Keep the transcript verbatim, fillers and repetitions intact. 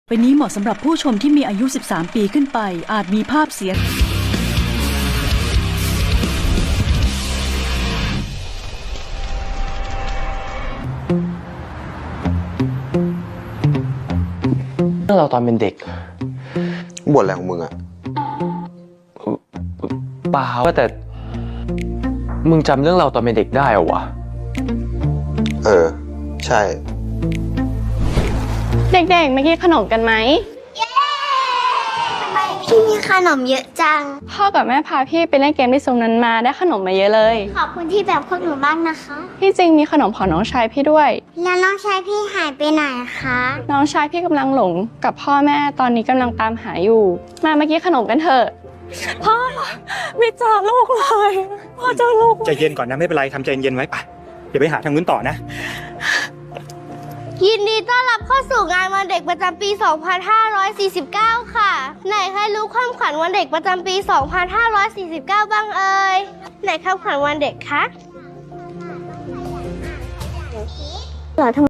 ไปนี้เหมาะสำหรับผู้ชมที่มีอายุ สิบสาม ปีขึ้นไปอาจมีภาพเสียงเรื่องเราตอนเป็นเด็กบ่นอะไรของมึงอะเปล่าแต่มึงจำเรื่องเราตอนเป็นเด็กได้เหรอวะเออใช่เด็กๆมากินขนมกันไหมพี่มีขนมเยอะจังพ่อกับแม่พาพี่ไปเล่นเกมที่ซุ้มนั้นมาได้ขนมมาเยอะเลยขอบคุณที่แบบพวกหนูบ้างนะคะพี่จริงมีขนมของน้องชายพี่ด้วยแล้วน้องชายพี่หายไปไหนคะน้องชายพี่กำลังหลงกับพ่อแม่ตอนนี้กำลังตามหาอยู่มามากินขนมกันเถอะพ่อไม่เจอลูกเลยพ่อเจอลูกใจเย็นก่อนนะไม่เป็นไรทำใจเย็นไว้ป่ะเดี๋ยวไปหาทางนู้นต่อนะยินดีต้อนรับเข้าสู่งานวันเด็กประจำปี สองพันห้าร้อยสี่สิบเก้า ค่ะไหนใครรู้ความขวัญวันเด็กประจำปี สองพันห้าร้อยสี่สิบเก้า บ้างเอ่ยไหนคำขวัญวันเด็กคะ